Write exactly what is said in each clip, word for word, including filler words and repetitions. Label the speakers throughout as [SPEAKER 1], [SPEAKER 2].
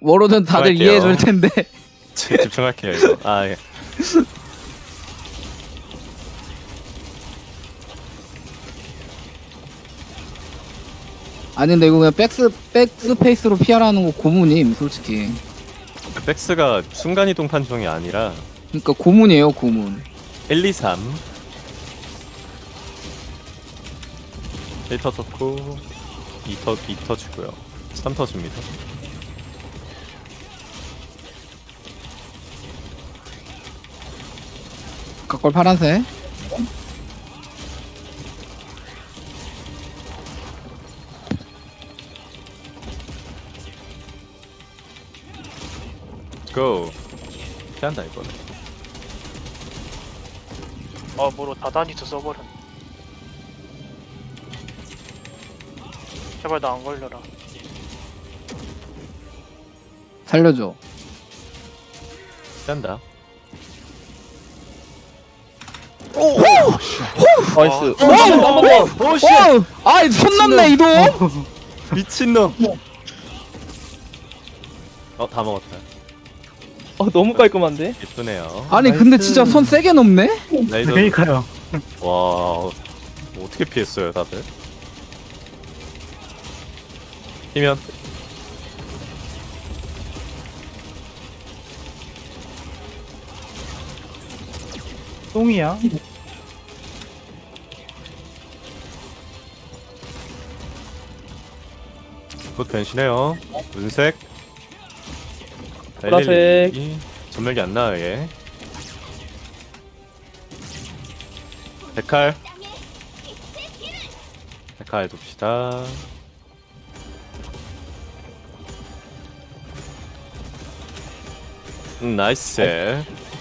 [SPEAKER 1] 워로드는 다들
[SPEAKER 2] 집중할게요.
[SPEAKER 1] 이해해 줄 텐데.
[SPEAKER 2] 지- 집중할게요 이거. 아 예.
[SPEAKER 1] 아니 근데 이거 그냥 백스 백스페이스로 피하라는 거 고문임 솔직히.
[SPEAKER 2] 백스가 순간이동 판정이 아니라
[SPEAKER 1] 그러니까 고문이에요 고문.
[SPEAKER 2] 일, 이, 삼 일 터졌고 이 터, 이 터지고요. 삼 터집니다.
[SPEAKER 1] 각골 파란색.
[SPEAKER 2] 고! 피한다 이거는.
[SPEAKER 3] 아 뭐로 다다니도 써버렸네. 제발 나 안 걸려라.
[SPEAKER 1] 살려줘.
[SPEAKER 2] 피한다.
[SPEAKER 4] 나이스.
[SPEAKER 3] 아,
[SPEAKER 4] 한번 더.
[SPEAKER 2] 오씨!
[SPEAKER 1] 어! 아이 손 넘네 이도.
[SPEAKER 2] 미친놈! 어, 다 먹었다.
[SPEAKER 4] 어, 너무 깔끔한데?
[SPEAKER 2] 예쁘네요.
[SPEAKER 1] 아니 근데 진짜 손 세게 넘네.
[SPEAKER 2] 레이저.
[SPEAKER 5] 그러니까요.
[SPEAKER 2] 와, 어떻게 피했어요, 다들? 피면
[SPEAKER 5] 똥이야.
[SPEAKER 2] 곧 변신해요. 은색.
[SPEAKER 4] 보라색.
[SPEAKER 2] 엘일이 전멸기 안 나요, 얘. 데칼. 데칼 둡시다. 음, 나이스.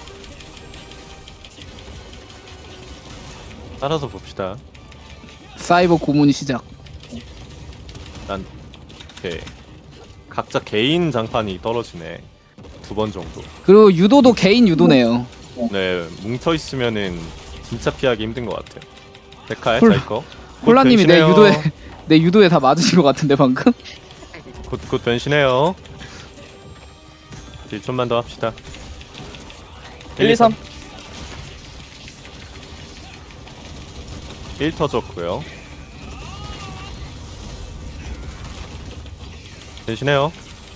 [SPEAKER 2] 따라서 봅시다.
[SPEAKER 1] 사이버 고문이 시작.
[SPEAKER 2] 난 오케이. 각자 개인 장판이 떨어지네. 두 번 정도.
[SPEAKER 1] 그리고 유도도 개인 유도네요.
[SPEAKER 2] 네, 뭉쳐 있으면은 진짜 피하기 힘든 것 같아요. 데카에
[SPEAKER 1] 콜-
[SPEAKER 2] 자이 거.
[SPEAKER 1] 콜라님이 내
[SPEAKER 2] 변신해요.
[SPEAKER 1] 유도에 내 유도에 다 맞으신 것 같은데 방금.
[SPEAKER 2] 곧, 곧 변신해요. 일 좀만 더 합시다.
[SPEAKER 4] 일, 이, 삼.
[SPEAKER 2] 일 터졌고요. 변신해요.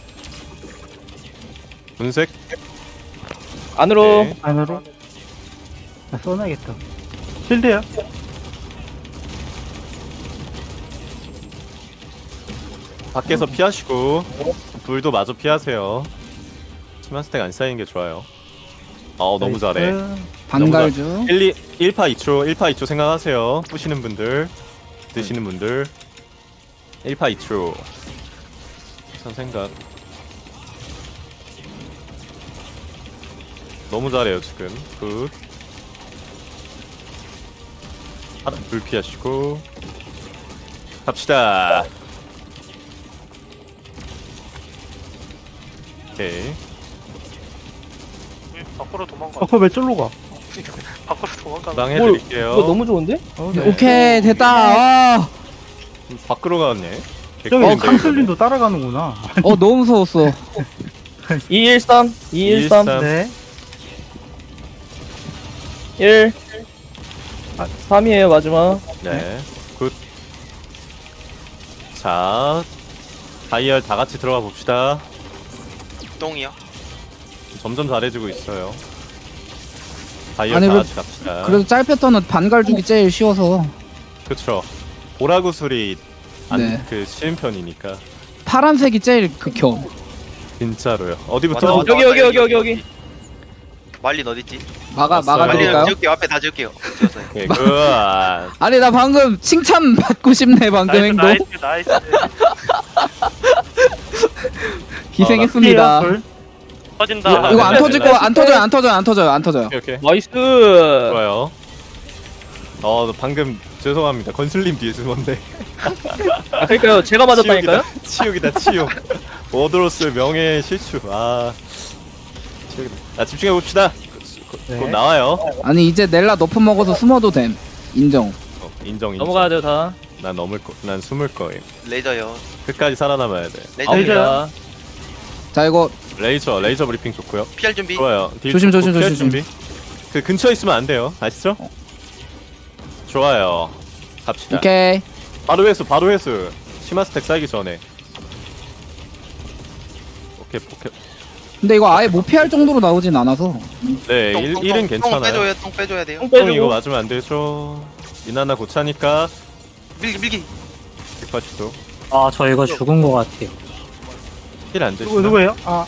[SPEAKER 2] 분색.
[SPEAKER 4] 안으로.
[SPEAKER 2] 네.
[SPEAKER 5] 안으로. 나 써놔야겠다. 실드야.
[SPEAKER 2] 밖에서 피하시고 불도 마저 피하세요. 치마 스택 안 쌓이는 게 좋아요. 어 너무 잘해.
[SPEAKER 1] 반갈주.
[SPEAKER 2] 일, 이, 일 파 이 초, 일 파 이 초 생각하세요. 부시는 분들, 드시는 분들. 일 파 이 초. 참 생각. 너무 잘해요 지금. 굿. 아, 불 피하시고 갑시다. 오케이.
[SPEAKER 3] 응, 밖으로 도망가.
[SPEAKER 5] 어, 그거 왜 쫄로 가?
[SPEAKER 3] 밖으로 도망가.
[SPEAKER 2] 방
[SPEAKER 4] 뭘,
[SPEAKER 2] 해드릴게요.
[SPEAKER 4] 이거 너무 좋은데?
[SPEAKER 5] 어, 네.
[SPEAKER 1] 오케이 됐다. 아,
[SPEAKER 2] 밖으로 갔네.
[SPEAKER 5] 저기
[SPEAKER 2] 개꿀인데,
[SPEAKER 5] 강슬림도 따라가는구나.
[SPEAKER 1] 어 너무 무서웠어.
[SPEAKER 4] 이, 일, 삼. 이, 일, 삼.
[SPEAKER 2] 일삼.
[SPEAKER 5] 네.
[SPEAKER 4] 일. 아, 삼이에요, 마지막.
[SPEAKER 2] 네. 굿. 자, 다이얼 다 같이 들어가 봅시다.
[SPEAKER 3] 똥이야?
[SPEAKER 2] 점점 잘해지고 있어요. 다이얼
[SPEAKER 1] 아니,
[SPEAKER 2] 다
[SPEAKER 1] 그-
[SPEAKER 2] 같이 갑시다.
[SPEAKER 1] 그래도 짤 패턴은 반갈주기 제일 쉬워서.
[SPEAKER 2] 그쵸. 보라구슬이 안,
[SPEAKER 1] 네.
[SPEAKER 2] 그 쉬운 편이니까.
[SPEAKER 1] 파란색이 제일 극혐.
[SPEAKER 2] 진짜로요. 어디부터?
[SPEAKER 3] 맞아,
[SPEAKER 4] 여기, 여기, 여기, 여기, 여기.
[SPEAKER 6] 말린 어딨지?
[SPEAKER 1] 막아
[SPEAKER 2] 왔어요.
[SPEAKER 1] 막아드릴까요?
[SPEAKER 6] 지울게요. 앞에 다 지울게요. 지웠어요.
[SPEAKER 2] 오케이, 굿.
[SPEAKER 1] 아니 나 방금 칭찬 받고 싶네 방금
[SPEAKER 3] 나이스
[SPEAKER 1] 행동.
[SPEAKER 3] 나이스 나이스.
[SPEAKER 1] 희생했습니다.
[SPEAKER 5] 불.
[SPEAKER 3] 터진다.
[SPEAKER 2] 이거
[SPEAKER 1] 이거 안
[SPEAKER 2] 네,
[SPEAKER 1] 터질
[SPEAKER 2] 네,
[SPEAKER 1] 거 안 터져요 안 터져요 안 터져요 안 터져요.
[SPEAKER 2] 오케이, 오케이.
[SPEAKER 4] 나이스.
[SPEAKER 2] 좋아요. 어, 방금 죄송합니다. 건슬님 뒤에 숨었네.
[SPEAKER 4] 아, 그러니까요. 제가 맞았다니까요?
[SPEAKER 2] 치욕이다, 치욕. 워드로스의 명예 실추. 아, 치욕이다. 자, 집중해 봅시다. 곧,
[SPEAKER 5] 네.
[SPEAKER 2] 곧 나와요.
[SPEAKER 1] 아니 이제 넬라 너프 먹어서 숨어도 됨. 인정.
[SPEAKER 2] 어, 인정, 인정.
[SPEAKER 4] 넘어가야 돼요, 다.
[SPEAKER 2] 난 넘을 거, 난 숨을 거임.
[SPEAKER 6] 레이저요.
[SPEAKER 2] 끝까지 살아남아야 돼.
[SPEAKER 6] 레이저.
[SPEAKER 4] 아웃이다.
[SPEAKER 1] 자 이거
[SPEAKER 2] 레이저 레이저 브리핑 좋고요.
[SPEAKER 6] 피할 준비.
[SPEAKER 2] 좋아요. 딜
[SPEAKER 1] 조심,
[SPEAKER 2] 좋고
[SPEAKER 1] 조심,
[SPEAKER 2] 피할
[SPEAKER 1] 조심,
[SPEAKER 2] 준비. 그 근처에 있으면 안 돼요. 아시죠? 좋아요. 갑시다.
[SPEAKER 1] 오케이.
[SPEAKER 2] 바로 회수 바로 회수. 심화 스택 쌓이기 전에. 오케이 오케이.
[SPEAKER 1] 근데 이거 아예 못 피할 정도로 나오진 않아서.
[SPEAKER 2] 네
[SPEAKER 6] 똥,
[SPEAKER 2] 일,
[SPEAKER 6] 똥,
[SPEAKER 2] 일은
[SPEAKER 6] 똥,
[SPEAKER 2] 괜찮아요.
[SPEAKER 6] 똥 빼줘야 똥 빼줘야 돼요.
[SPEAKER 4] 똥
[SPEAKER 2] 똥 이거
[SPEAKER 4] 빼주고.
[SPEAKER 2] 맞으면 안 되죠. 이나나 고차니까
[SPEAKER 6] 밀기 밀기.
[SPEAKER 2] 백팔십도
[SPEAKER 7] 아, 저 이거 죽은 것 같아요.
[SPEAKER 2] 힐안
[SPEAKER 5] 누구,
[SPEAKER 2] 되시나?
[SPEAKER 5] 누구예요? 아,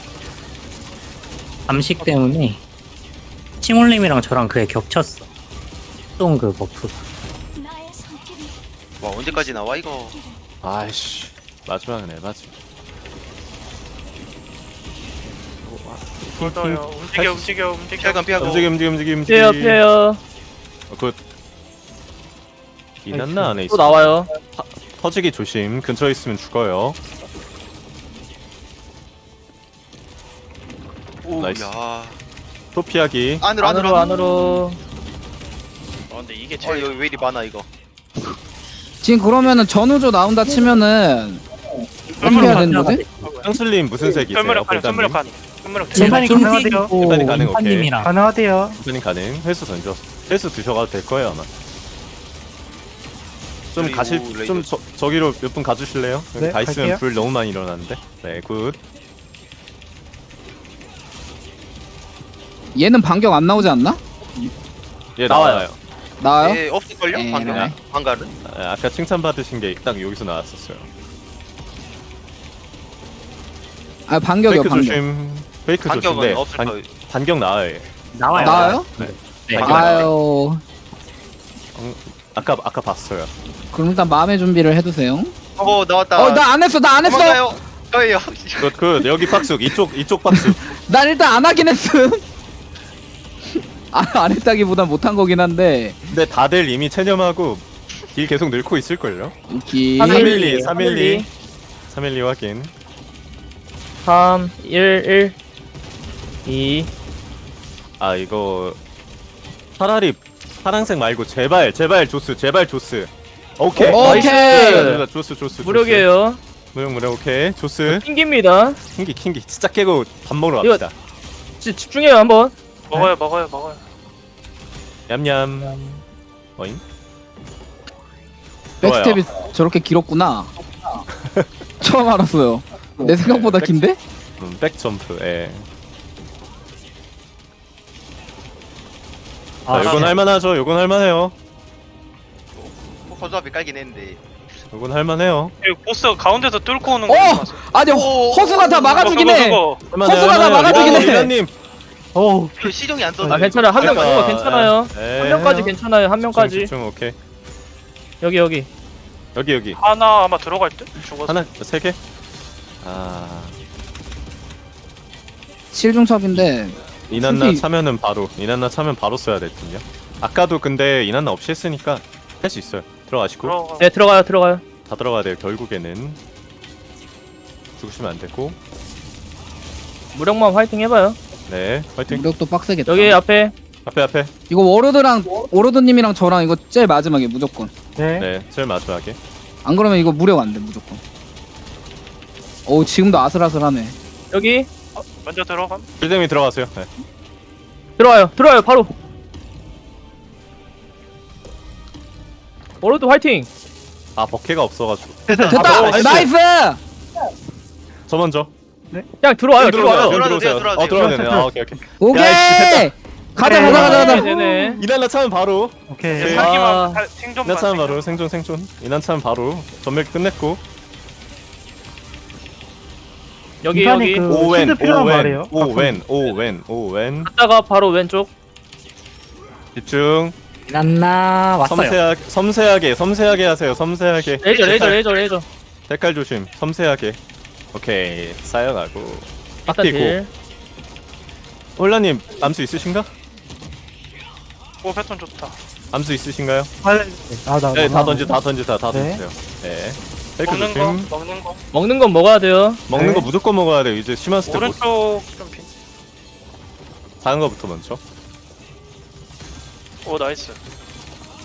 [SPEAKER 7] 암식 때문에 칭올님이랑 저랑 그게 겹쳤어. 똥 그 버프.
[SPEAKER 6] 와 언제까지 나와 이거.
[SPEAKER 2] 아이씨 마지막은 에바지.
[SPEAKER 3] 돌더요. 움직여 움직여 움직여.
[SPEAKER 6] 피할건 피하고.
[SPEAKER 2] 움직임 움직임 움직임
[SPEAKER 4] 피해요
[SPEAKER 2] 움직임.
[SPEAKER 4] 피해요.
[SPEAKER 2] 어, 굿. 이난나 안에
[SPEAKER 4] 또
[SPEAKER 2] 있어.
[SPEAKER 4] 나와요.
[SPEAKER 2] 터지기 조심. 근처에 있으면 죽어요.
[SPEAKER 6] 오,
[SPEAKER 2] 나이스.
[SPEAKER 6] 야.
[SPEAKER 2] 또 피하기.
[SPEAKER 6] 안으로
[SPEAKER 4] 안으로
[SPEAKER 6] 안으로
[SPEAKER 4] 안으로.
[SPEAKER 3] 아 근데 이게
[SPEAKER 6] 어
[SPEAKER 3] 제일
[SPEAKER 6] 여기 왜 이리 많아 이거.
[SPEAKER 1] 지금 그러면은 전우조 나온다 치면은 어떻게 해야 되는 거지?
[SPEAKER 2] 향슬님 무슨 색이세요?
[SPEAKER 3] 현무력 가능.
[SPEAKER 2] 볼담님?
[SPEAKER 3] 현무력 가능. 현무력
[SPEAKER 7] 제가
[SPEAKER 5] 일반이 가능하대요.
[SPEAKER 2] 일반이 가능, 오케이.
[SPEAKER 7] 인파님이랑
[SPEAKER 5] 가능하대요.
[SPEAKER 2] 볼담님 가능. 헬스 던져. 헬스 드셔가도 될 거예요 아마. 좀
[SPEAKER 6] 그리고
[SPEAKER 2] 가실
[SPEAKER 6] 레이저.
[SPEAKER 2] 좀 저, 저기로 몇 분 가주실래요? 여기
[SPEAKER 5] 네,
[SPEAKER 2] 다 있으면
[SPEAKER 5] 갈게요.
[SPEAKER 2] 불 너무 많이 일어나는데. 네 굿.
[SPEAKER 1] 얘는 반격 안 나오지 않나?
[SPEAKER 2] 예
[SPEAKER 4] 나와요.
[SPEAKER 2] 나와요.
[SPEAKER 1] 나와요?
[SPEAKER 6] 예 없을걸요?
[SPEAKER 1] 에이,
[SPEAKER 6] 방금
[SPEAKER 1] 네.
[SPEAKER 6] 방가는.
[SPEAKER 2] 아, 아까 칭찬 받으신 게 딱 여기서 나왔었어요.
[SPEAKER 1] 아 반격이요
[SPEAKER 2] 페이크
[SPEAKER 1] 반격.
[SPEAKER 2] 조심. 페이크
[SPEAKER 6] 반격은
[SPEAKER 2] 조심인데
[SPEAKER 6] 없을
[SPEAKER 2] 반,
[SPEAKER 6] 거예요.
[SPEAKER 2] 반격 나와요.
[SPEAKER 7] 나와요.
[SPEAKER 1] 나와요?
[SPEAKER 7] 네.
[SPEAKER 6] 반격.
[SPEAKER 1] 아유.
[SPEAKER 2] 아까 아까 봤어요.
[SPEAKER 1] 그럼 일단 마음의 준비를 해두세요.
[SPEAKER 6] 어 나왔다.
[SPEAKER 1] 어 나 안 했어 나 안 했어.
[SPEAKER 6] 도망가요. 저예요.
[SPEAKER 2] 그, 그 여기 박숙 이쪽 이쪽 박숙.
[SPEAKER 1] 난 일단 안 하긴 했음. 아, 안 했다기보단 못한 거긴 한데.
[SPEAKER 2] 근데 다들 이미 체념하고 딜 계속 늘고 있을걸요?
[SPEAKER 1] 오케이.
[SPEAKER 2] 삼일이, 삼일이. 삼일이 확인.
[SPEAKER 4] 삼 일 일 이.
[SPEAKER 2] 아 이거 차라리 파란색 말고 제발 제발 조스 제발 조스. 오케이.
[SPEAKER 1] 오케이.
[SPEAKER 2] 나이스. 조스 조스.
[SPEAKER 4] 무력이에요.
[SPEAKER 2] 무력 무력 오케이. 조스.
[SPEAKER 4] 킹기입니다.
[SPEAKER 2] 킹기 킹기 진짜 깨고 밥 먹으러
[SPEAKER 4] 이거-
[SPEAKER 2] 갑시다.
[SPEAKER 4] 지, 집중해요 한번.
[SPEAKER 3] 먹어요 먹어요 먹어요.
[SPEAKER 2] 냠냠. 어잉?
[SPEAKER 1] 백스텝이 저렇게 길었구나. 처음 알았어요. 내 생각보다 긴데?
[SPEAKER 2] 음, 백 점프. 예.
[SPEAKER 7] 아,
[SPEAKER 2] 자, 요건 할만하죠. 요건 할만해요.
[SPEAKER 6] 허수아비 깔긴 했는데.
[SPEAKER 2] 요건 할만해요.
[SPEAKER 3] 이 보스 가운데서 뚫고 오는
[SPEAKER 1] 어!
[SPEAKER 3] 거.
[SPEAKER 1] 아니 허수가 다 막아주긴 해.
[SPEAKER 2] 할만해요.
[SPEAKER 1] 허수가 다
[SPEAKER 2] 할만해요.
[SPEAKER 1] 막아주긴 해.
[SPEAKER 2] 리나님.
[SPEAKER 5] 어우,
[SPEAKER 6] 그 시종이 안 써져.
[SPEAKER 4] 아 괜찮아요. 한 명
[SPEAKER 2] 그러니까,
[SPEAKER 4] 죽은 거 괜찮아요.
[SPEAKER 2] 예.
[SPEAKER 4] 한 명까지 괜찮아요. 한 명까지.
[SPEAKER 2] 집중, 집중, 오케이.
[SPEAKER 4] 여기 여기.
[SPEAKER 2] 여기 여기.
[SPEAKER 3] 하나 아마 들어갈 듯? 죽었어.
[SPEAKER 2] 하나, 세 개. 아,
[SPEAKER 1] 칠중첩인데
[SPEAKER 2] 이난나
[SPEAKER 1] 솔직히-
[SPEAKER 2] 차면은 바로 이난나 차면 바로 써야 될 텐요. 아까도 근데 이난나 없이 했으니까 할 수 있어요. 들어가시고
[SPEAKER 3] 들어가.
[SPEAKER 4] 네 들어가요 들어가요.
[SPEAKER 2] 다 들어가야 돼요. 결국에는 죽으시면 안 되고.
[SPEAKER 4] 무력만 화이팅 해봐요.
[SPEAKER 2] 네, 화이팅.
[SPEAKER 1] 무력도 빡세겠다.
[SPEAKER 4] 여기 앞에
[SPEAKER 2] 앞에 앞에.
[SPEAKER 1] 이거 워로드랑 워로드님이랑 저랑 이거 제일 마지막에 무조건.
[SPEAKER 5] 네.
[SPEAKER 2] 네, 제일 마지막에.
[SPEAKER 1] 안 그러면 이거 무력 안 돼 무조건. 오 지금도 아슬아슬하네.
[SPEAKER 4] 여기
[SPEAKER 3] 먼저 들어감.
[SPEAKER 2] 빌dem이 들어가세요. 네.
[SPEAKER 4] 들어와요. 들어와요 바로. 워로드 화이팅.
[SPEAKER 2] 아, 버케가 없어가지고.
[SPEAKER 1] 됐다.
[SPEAKER 2] 아, 나이스.
[SPEAKER 1] 나이스.
[SPEAKER 2] 저 먼저.
[SPEAKER 4] 그냥 들어와요. 들어와요.
[SPEAKER 6] 들어와도 돼요,
[SPEAKER 2] 들어오세요.
[SPEAKER 6] 들어와도
[SPEAKER 2] 어, 들어가야 되네. 아, 오케이, 오케이.
[SPEAKER 1] 오케이.
[SPEAKER 2] 야, 씨,
[SPEAKER 1] 가자
[SPEAKER 5] 네.
[SPEAKER 1] 가자 가자 가자.
[SPEAKER 4] 되네.
[SPEAKER 2] 이난나 차면 바로.
[SPEAKER 5] 오케이.
[SPEAKER 2] 네.
[SPEAKER 4] 아.
[SPEAKER 3] 살기만 살- 생존만.
[SPEAKER 2] 이난 차면 바로
[SPEAKER 3] 생존.
[SPEAKER 2] 생존 생존. 이난 차면 바로 전멸 끝냈고.
[SPEAKER 4] 여기
[SPEAKER 5] 인간이
[SPEAKER 4] 여기.
[SPEAKER 5] 그-
[SPEAKER 2] 오웬
[SPEAKER 5] 실드 필요한 말이에요.
[SPEAKER 2] 오웬 오웬 오웬 오웬.
[SPEAKER 4] 갔다가 바로 왼쪽.
[SPEAKER 2] 집중.
[SPEAKER 7] 난나 왔어요.
[SPEAKER 2] 섬세하게 섬세하게 섬세하게 하세요. 섬세하게.
[SPEAKER 4] 레이저 레이저 레이저 레이저.
[SPEAKER 2] 색깔 조심. 섬세하게. 오케이. 쌓여가고.
[SPEAKER 4] 일단
[SPEAKER 2] 빡디고.
[SPEAKER 4] 딜.
[SPEAKER 2] 홀라님 암수 있으신가?
[SPEAKER 3] 오 패턴 좋다.
[SPEAKER 2] 암수 있으신가요?
[SPEAKER 5] 아, 아, 나,
[SPEAKER 2] 네,
[SPEAKER 5] 나,
[SPEAKER 2] 다
[SPEAKER 5] 나.
[SPEAKER 2] 던지 다 던지다 다
[SPEAKER 5] 네.
[SPEAKER 2] 던지세요. 네. 페이크
[SPEAKER 3] 먹는 거
[SPEAKER 2] 조심.
[SPEAKER 3] 먹는 거.
[SPEAKER 4] 먹는 건 먹어야 돼요.
[SPEAKER 2] 먹는
[SPEAKER 5] 네.
[SPEAKER 2] 거 무조건 먹어야 돼요. 이제 심한 스텝 못.
[SPEAKER 3] 오른쪽 좀 핀.
[SPEAKER 2] 작은 거부터 먼저.
[SPEAKER 3] 오 나이스.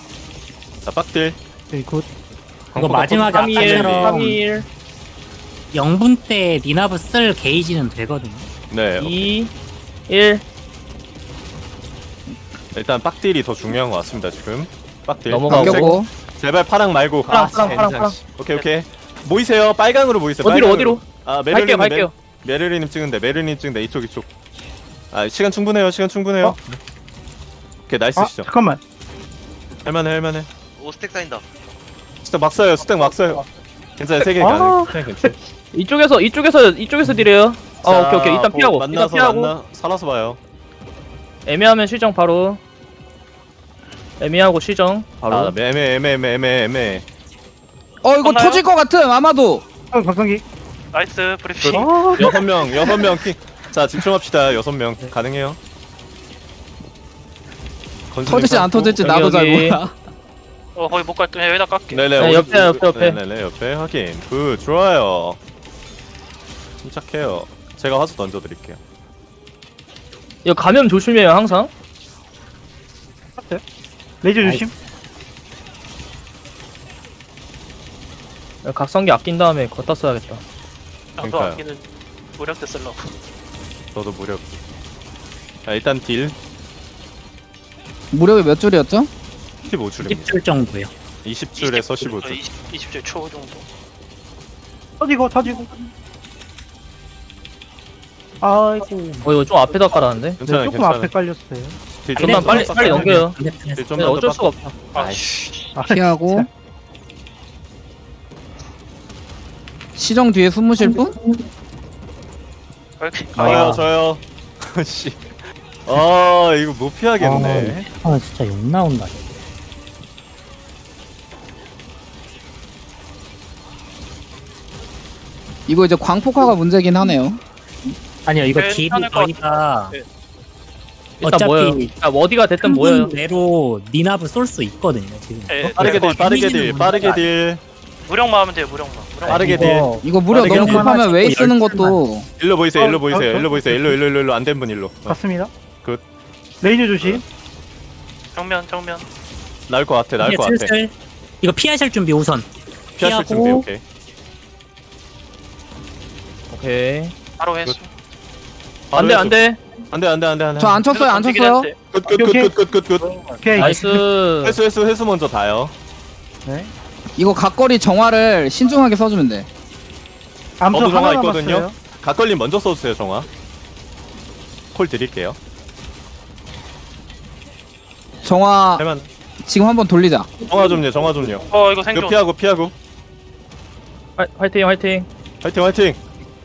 [SPEAKER 2] 자, 빡딜.
[SPEAKER 5] 오케이, 굿.
[SPEAKER 7] 이거 마지막에
[SPEAKER 4] 삼 이 일
[SPEAKER 7] 아까처럼
[SPEAKER 4] 삼 이 일.
[SPEAKER 7] 영 분 때 니나브 쓸 게이지는 되거든요.
[SPEAKER 2] 네.
[SPEAKER 4] 이, 일.
[SPEAKER 2] 일단 빡딜이 더 중요한 것 같습니다 지금. 빡딜.
[SPEAKER 4] 넘어가고.
[SPEAKER 1] 바뀌었고.
[SPEAKER 2] 제발 파랑 말고.
[SPEAKER 4] 파랑,
[SPEAKER 2] 아,
[SPEAKER 4] 파랑, 파랑,
[SPEAKER 2] 젠장,
[SPEAKER 4] 파랑.
[SPEAKER 2] 씨. 오케이 오케이. 모이세요. 빨강으로 모이세요.
[SPEAKER 4] 어디로,
[SPEAKER 2] 빨강으로.
[SPEAKER 4] 어디로?
[SPEAKER 2] 아
[SPEAKER 4] 갈게요,
[SPEAKER 2] 메르리님
[SPEAKER 4] 갈게요.
[SPEAKER 2] 메, 메르리님 찍은데 메르리님 찍은데 이쪽 이쪽. 아 시간 충분해요. 시간 충분해요.
[SPEAKER 5] 어?
[SPEAKER 2] 오케이 나이스
[SPEAKER 5] 아
[SPEAKER 2] 시죠.
[SPEAKER 5] 잠깐만.
[SPEAKER 2] 할만해 할만해.
[SPEAKER 6] 오 스택 쌓인다.
[SPEAKER 2] 스택 막 써요. 스택 막 써요. 괜찮아요. 세개
[SPEAKER 5] 아.
[SPEAKER 2] 가능. 그냥 괜찮아.
[SPEAKER 4] 이쪽에서, 이쪽에서, 이쪽에서 딜해요. 어,
[SPEAKER 2] 자,
[SPEAKER 4] 오케이, 오케이. 일단
[SPEAKER 2] 뭐
[SPEAKER 4] 피하고. 일단
[SPEAKER 2] 만나서
[SPEAKER 4] 피하고.
[SPEAKER 2] 만나 살아서 봐요.
[SPEAKER 4] 애매하면 시정 바로. 애매하고 시정 바로.
[SPEAKER 2] 아 애매 애매 애매 애매 애매.
[SPEAKER 1] 어 이거
[SPEAKER 3] 끝나요?
[SPEAKER 1] 터질 것 같음 아마도.
[SPEAKER 5] 어 각성기.
[SPEAKER 3] 나이스 브리핑.
[SPEAKER 5] 아
[SPEAKER 2] 여섯 명 여섯 명 킹. 자 집중합시다. 여섯 명 가능해요.
[SPEAKER 1] 터질지 안 터질지
[SPEAKER 4] 여기,
[SPEAKER 1] 나도 잘
[SPEAKER 4] 여기.
[SPEAKER 1] 몰라.
[SPEAKER 3] 어 거기 못 갈게. 여기다 깎게.
[SPEAKER 2] 네네
[SPEAKER 4] 네,
[SPEAKER 2] 오십-
[SPEAKER 4] 옆에, 옆에, 옆에.
[SPEAKER 2] 네네 옆에 확인. 굿 좋아요. 침착해요. 제가 화수 던져드릴게요.
[SPEAKER 4] 이거 감염 조심해요, 항상.
[SPEAKER 5] 레이저 조심.
[SPEAKER 4] 각성기 아낀 다음에 걷다 써야겠다.
[SPEAKER 3] 나도
[SPEAKER 2] 그러니까요.
[SPEAKER 3] 아끼는 무력 때 쓰려고.
[SPEAKER 2] 저도 무력. 자 일단 딜
[SPEAKER 1] 무력이 몇 줄이었죠?
[SPEAKER 2] 십오 줄입니다.
[SPEAKER 7] 십 줄 정도요.
[SPEAKER 2] 이십 줄에서 십오 줄.
[SPEAKER 3] 이십 줄 초 정도.
[SPEAKER 5] 터지고 터지고. 아이고.
[SPEAKER 4] 어, 이거 좀 앞에다 깔았는데?
[SPEAKER 5] 네,
[SPEAKER 2] 괜찮아요
[SPEAKER 5] 조금
[SPEAKER 2] 괜찮아요.
[SPEAKER 5] 앞에 깔렸어요.
[SPEAKER 2] 딜
[SPEAKER 4] 좀만
[SPEAKER 2] 더
[SPEAKER 4] 빨리,
[SPEAKER 2] 빡-
[SPEAKER 4] 빨리 넘겨요.
[SPEAKER 7] 반대편에서.
[SPEAKER 2] 딜
[SPEAKER 4] 네,
[SPEAKER 2] 좀만 더
[SPEAKER 4] 어쩔
[SPEAKER 2] 빡-
[SPEAKER 4] 수가 없다.
[SPEAKER 3] 아이씨.
[SPEAKER 5] 아,
[SPEAKER 1] 피하고. 시정 뒤에 숨으실 분?
[SPEAKER 3] 이렇게.
[SPEAKER 2] 저요
[SPEAKER 3] 아,
[SPEAKER 2] 저요. 씨. 아 이거 못 피하겠네.
[SPEAKER 7] 아 진짜 욕 나온다.
[SPEAKER 1] 이거 이제 광폭화가 문제긴 하네요.
[SPEAKER 7] 아니요 이거
[SPEAKER 3] 네,
[SPEAKER 7] 딜이
[SPEAKER 3] 괜찮을 것
[SPEAKER 7] 저희가
[SPEAKER 3] 네.
[SPEAKER 4] 일단
[SPEAKER 7] 어차피
[SPEAKER 4] 뭐예요? 아, 어디가 됐든
[SPEAKER 7] 한
[SPEAKER 4] 뭐예요?
[SPEAKER 7] 분 내로 니나브 쏠 수 있거든요 지금.
[SPEAKER 3] 예,
[SPEAKER 2] 빠르게 딜 빠르게 딜
[SPEAKER 7] 데미지는
[SPEAKER 2] 빠르게
[SPEAKER 7] 문제가
[SPEAKER 2] 딜.
[SPEAKER 3] 무력만 하면 돼요. 무력만. 무력만.
[SPEAKER 2] 빠르게 딜.
[SPEAKER 7] 이거
[SPEAKER 1] 이거 무력
[SPEAKER 2] 빠르게
[SPEAKER 1] 너무
[SPEAKER 2] 하나
[SPEAKER 1] 급하면 웨이
[SPEAKER 7] 찍고
[SPEAKER 1] 쓰는
[SPEAKER 7] 열
[SPEAKER 1] 것도
[SPEAKER 2] 일로 보이세요. 일로
[SPEAKER 5] 어,
[SPEAKER 2] 보이세요.
[SPEAKER 5] 어,
[SPEAKER 2] 일로 보이세요. 일로 일로 일로 일로 안 된 분 일로. 어,
[SPEAKER 5] 갔습니다.
[SPEAKER 2] 굿.
[SPEAKER 5] 레이저 조심.
[SPEAKER 3] 정면 정면.
[SPEAKER 2] 나을 것 같아. 나을
[SPEAKER 7] 이제
[SPEAKER 2] 것 같아.
[SPEAKER 7] 슬슬 이거 피하실 준비 우선.
[SPEAKER 2] 피하실 준비
[SPEAKER 7] 피하고.
[SPEAKER 2] 오케이.
[SPEAKER 4] 오케이.
[SPEAKER 3] 바로 회수.
[SPEAKER 4] 안 돼, 안 돼.
[SPEAKER 2] 안돼 안돼 안돼 안돼.
[SPEAKER 1] 저 안 쳤어요 안 쳤어요.
[SPEAKER 2] 굿굿굿굿굿굿.
[SPEAKER 5] 오케이.
[SPEAKER 4] 나이스.
[SPEAKER 2] 회수 회수 회수 먼저 다요.
[SPEAKER 5] 네.
[SPEAKER 1] 이거 각거리 정화를 신중하게 써주면 돼.
[SPEAKER 5] 암수
[SPEAKER 2] 저도 정화
[SPEAKER 5] 하나
[SPEAKER 2] 있거든요.
[SPEAKER 5] 남았어요.
[SPEAKER 2] 각걸림 먼저 써주세요 정화. 콜 드릴게요.
[SPEAKER 1] 정화
[SPEAKER 2] 할만.
[SPEAKER 1] 지금 한번 돌리자.
[SPEAKER 2] 정화 좀요 정화 좀요.
[SPEAKER 3] 어 이거
[SPEAKER 2] 이거
[SPEAKER 3] 생존.
[SPEAKER 2] 피하고 피하고.
[SPEAKER 4] 화, 화이팅, 화이팅.
[SPEAKER 2] 화이팅 화이팅.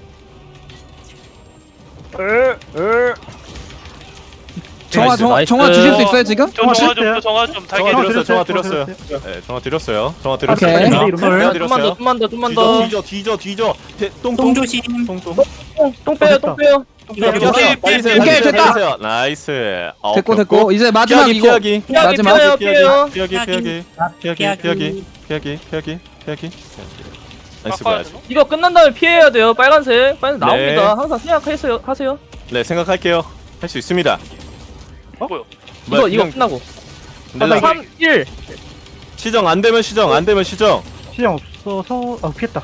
[SPEAKER 1] 정화
[SPEAKER 2] 나이스,
[SPEAKER 1] 정화
[SPEAKER 4] 나이스.
[SPEAKER 1] 정화 주실 수 있어요 지금?
[SPEAKER 3] 저 정화 좀,
[SPEAKER 5] 드렸어요.
[SPEAKER 3] 저 정화 좀 달게.
[SPEAKER 2] 정화
[SPEAKER 5] 드렸어요,
[SPEAKER 2] 드렸어요 정화
[SPEAKER 5] 드렸어요,
[SPEAKER 2] 드렸어요. 네 정화 드렸어요. 정화
[SPEAKER 1] 오케이.
[SPEAKER 2] 드렸어요.
[SPEAKER 5] 이러면?
[SPEAKER 2] 정화
[SPEAKER 4] 좀만 더,
[SPEAKER 2] 드렸어요.
[SPEAKER 4] 좀만 더, 좀만
[SPEAKER 2] 뒤져
[SPEAKER 4] 더.
[SPEAKER 2] 뒤져 뒤져 뒤져. 대-
[SPEAKER 7] 똥
[SPEAKER 2] 똥똥
[SPEAKER 7] 조심.
[SPEAKER 2] 똥똥.
[SPEAKER 4] 똥 빼요, 똥 빼요.
[SPEAKER 2] 피하,
[SPEAKER 3] 오케이,
[SPEAKER 2] 피하세요.
[SPEAKER 3] 오케이,
[SPEAKER 2] 빨리세요,
[SPEAKER 1] 오케이,
[SPEAKER 2] 빨리세요,
[SPEAKER 1] 됐다.
[SPEAKER 2] 빨리세요. 나이스. 아,
[SPEAKER 1] 됐고
[SPEAKER 2] 오케이,
[SPEAKER 1] 됐고 이제 마지막
[SPEAKER 2] 피하기
[SPEAKER 1] 이거
[SPEAKER 2] 피하기
[SPEAKER 4] 피하기,
[SPEAKER 1] 마지막.
[SPEAKER 4] 피해요, 피해요.
[SPEAKER 2] 피하기 피하기 피하기 피하기 피하기 피하기 피하기 피하기. 나이스
[SPEAKER 3] 깎아야
[SPEAKER 2] 봐야지.
[SPEAKER 3] 되나?
[SPEAKER 4] 이거 끝난 다음에 피해야 돼요. 빨간색. 빨간색
[SPEAKER 2] 네.
[SPEAKER 4] 나옵니다. 항상 생각하세요. 하세요.
[SPEAKER 2] 네 생각할게요. 할 수 있습니다.
[SPEAKER 3] 뭐요?
[SPEAKER 4] 이거, 이거
[SPEAKER 2] 그냥
[SPEAKER 4] 끝나고.
[SPEAKER 2] 내가
[SPEAKER 4] 삼, 일.
[SPEAKER 2] 시정 안 되면 시정 안 되면 시정.
[SPEAKER 5] 시장 없어서 아 피했다.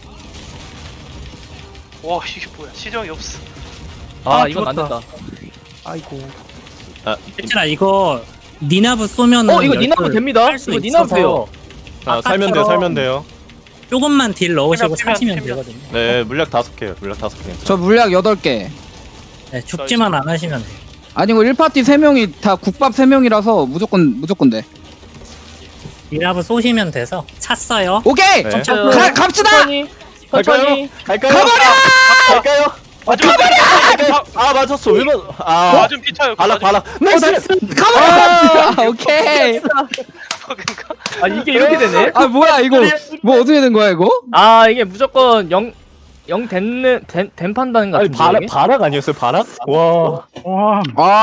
[SPEAKER 3] 와 이게 뭐야? 시정이 없어.
[SPEAKER 4] 아,
[SPEAKER 5] 아,
[SPEAKER 4] 이건 안
[SPEAKER 5] 죽었다.
[SPEAKER 4] 된다.
[SPEAKER 5] 아이고.
[SPEAKER 2] 아,
[SPEAKER 7] 괜찮아 이거 니나브 쏘면
[SPEAKER 4] 어, 이거 니나브 됩니다. 이거 니나브 돼요.
[SPEAKER 2] 아, 살면 돼요 살면 돼요.
[SPEAKER 7] 조금만 딜 넣으시고
[SPEAKER 3] 피면, 피면,
[SPEAKER 7] 사시면
[SPEAKER 3] 피면.
[SPEAKER 7] 되거든요.
[SPEAKER 2] 네 물약 다섯 개요. 물약 다섯 개.
[SPEAKER 1] 저 물약 여덟 개.
[SPEAKER 7] 네, 죽지만 안 하시면 돼요.
[SPEAKER 1] 아니고 일 파티 세 명이 다 국밥 세 명이라서 무조건 무조건 돼.
[SPEAKER 7] 니나브 쏘시면 돼서 찼어요.
[SPEAKER 1] 오케이.
[SPEAKER 2] 네.
[SPEAKER 1] 가, 갑시다.
[SPEAKER 4] 천천히. 천천히.
[SPEAKER 2] 갈까요? 가버려! 갈까요?
[SPEAKER 3] 가버려!
[SPEAKER 2] 아 맞았어. 왜 맞? 아
[SPEAKER 3] 맞은 피차요.
[SPEAKER 2] 발락 발락. 나이스.
[SPEAKER 1] 가버려. 아, 오케이.
[SPEAKER 3] 그러니까.
[SPEAKER 4] 아, 이게 이렇게 되네.
[SPEAKER 1] 아 뭐야 이거 뭐 어떻게 된 거야 이거?
[SPEAKER 4] 아, 이게 무조건 영, 영 됐는, 된, 된 판단
[SPEAKER 2] 아니
[SPEAKER 4] 같은데.
[SPEAKER 2] 발락
[SPEAKER 4] 이게?
[SPEAKER 2] 발락 아니었어요 발락? 와.
[SPEAKER 5] 와.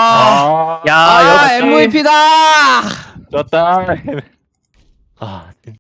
[SPEAKER 1] 아,
[SPEAKER 4] 야,
[SPEAKER 1] 아
[SPEAKER 4] 역시.
[SPEAKER 1] 엠브이피다.
[SPEAKER 2] 좋았다. 아